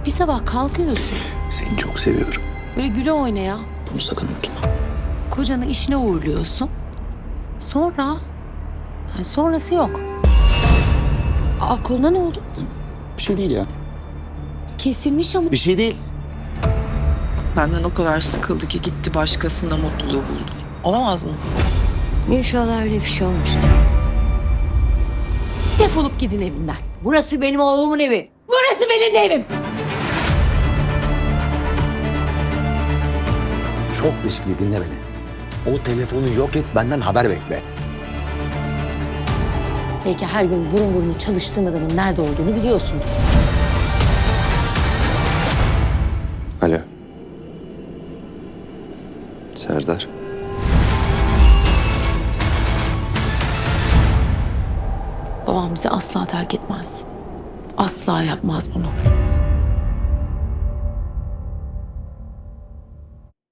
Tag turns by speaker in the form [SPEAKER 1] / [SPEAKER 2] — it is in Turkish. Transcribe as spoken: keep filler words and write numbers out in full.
[SPEAKER 1] Bir sabah kalkıyorsun.
[SPEAKER 2] Seni çok seviyorum.
[SPEAKER 1] Böyle güle oynaya.
[SPEAKER 2] Bunu sakın unutma.
[SPEAKER 1] Kocanı işine uğurluyorsun. Sonra... Yani sonrası yok. Aa, koluna ne oldu?
[SPEAKER 2] Bir şey değil ya.
[SPEAKER 1] Kesilmiş ama.
[SPEAKER 2] Bir şey değil.
[SPEAKER 3] Benden o kadar sıkıldı ki gitti başkasında mutluluğu buldu. Olamaz mı?
[SPEAKER 4] İnşallah öyle bir şey olmuştur.
[SPEAKER 1] Defolup gidin evimden.
[SPEAKER 4] Burası benim oğlumun evi.
[SPEAKER 1] Burası benim de evim.
[SPEAKER 2] Çok riskli, dinle beni. O telefonu yok et, benden haber bekle.
[SPEAKER 1] Belki her gün burun buruna çalıştığın adamın nerede olduğunu biliyorsundur.
[SPEAKER 2] Alo. Serdar.
[SPEAKER 1] Babam bizi asla terk etmez. Asla yapmaz bunu.